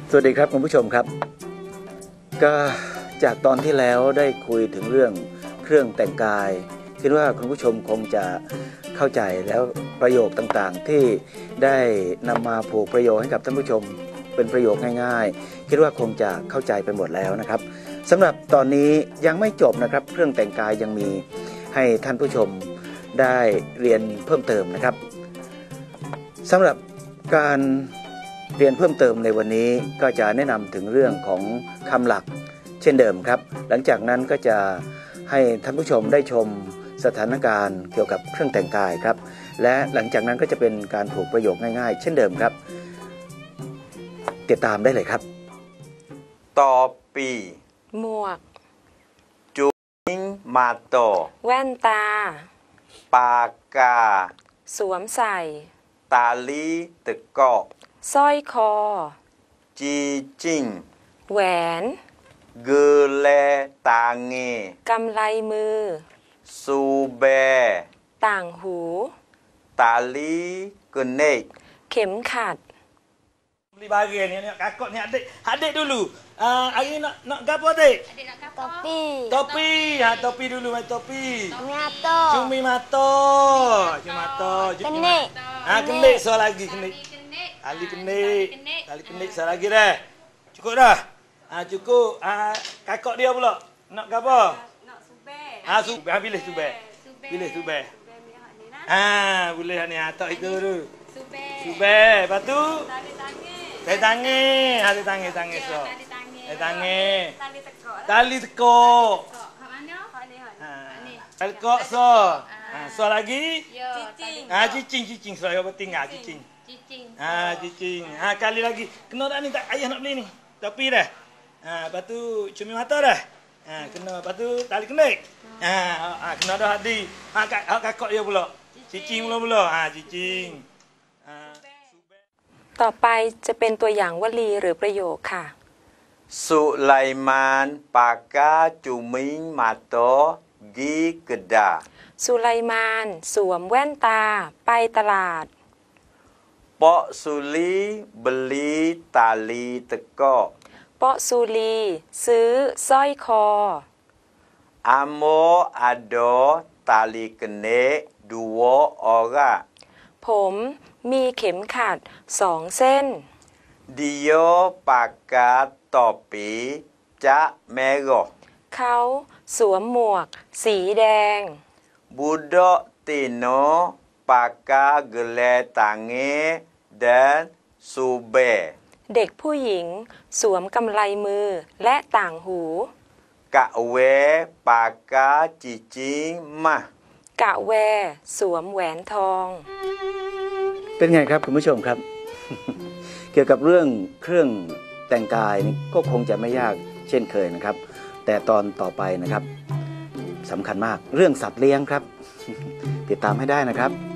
สวัสดีครับคุณผู้ชมครับก็จากตอนที่แล้วได้คุยถึงเรื่องเครื่องแต่งกายคิดว่าคุณผู้ชมคงจะเข้าใจแล้วประโยคต่างๆที่ได้นำมาผูกประโยคให้กับท่านผู้ชมเป็นประโยคง่ายๆคิดว่าคงจะเข้าใจไปหมดแล้วนะครับสำหรับตอนนี้ยังไม่จบนะครับเครื่องแต่งกายยังมีให้ท่านผู้ชมได้เรียนเพิ่มเติมนะครับสำหรับการเรียนเพิ่มเติมในวันนี้ก็จะแนะนำถึงเรื่องของคำหลักเช่นเดิมครับหลังจากนั้นก็จะให้ท่านผู้ชมได้ชมสถานการณ์เกี่ยวกับเครื่องแต่งกายครับและหลังจากนั้นก็จะเป็นการผูกประโยคง่ายๆเช่นเดิมครับติดตามได้เลยครับต่อปีหมวกจุงมาโตแว่นตาปากกาสวมใส่ตาลีตะกอสร้อยคอจีจิงแหวนเกลตางเงกำไลมือซูเบต่างหูตาลีกเนกเข็มขัด beli barang ni kakak ni adik dulu. Hari ni nak gapo adik? Adik nak gapo? Topi. Topi. Topi dulu mai topi. Cumi mata. Cumi mata. Cumi mata. Kenik. Kenik soal lagi kenik. Tali kenik. Tali kenik soal lagi dah. Cukup dah. Cukup. Kakak dia pula nak gapo? Nak subeh. Subeh pilih subeh. Pilih subeh. Boleh ni tak itu dulu. Subeh. Lepas tu tali tangan. Tali tangan so. Tali tangan. Tali tekuk. Kat mana? Ni. Tali tekuk so. So lagi? Cicing. Cicing so yang penting cicing. Cicing. Kali lagi. Kena tak ni tak ayah nak beli ni. Topi dah. Lepas tu cumi mata dah. Kena lepas tu tali kenik. Kena dah hadi. Kakak dia pula. Cicing pula. Cicing. ต่อไปจะเป็นตัวอย่างวลีหรือประโยคค่ะสุไลมานปากกาจุมิงมาโตกีกดาสุไลมานสวมแว่นตาไปตลาดปอสุลีบลีตาลีตะกอปอซูลีซื้อสร้อยคออโมอาโดตาลีกเนดูโวออระผมมีเข็มขัด2 เส้นดิโอปากกาต่อปีจะเมโกเขาสวมหมวกสีแดงบูโดติโนปากกาเกเลตังเงเดนซูเบเด็กผู้หญิงสวมกำไลมือและต่างหูกะเวปากกาจิจิมากะแวสวมแหวนทองเป็นไงครับคุณผู้ชมครับ เกี่ยวกับเรื่องเครื่องแต่งกายนี่ก็คงจะไม่ยากเช่นเคยนะครับแต่ตอนต่อไปนะครับสำคัญมากเรื่องสัตว์เลี้ยงครับ ติดตามให้ได้นะครับ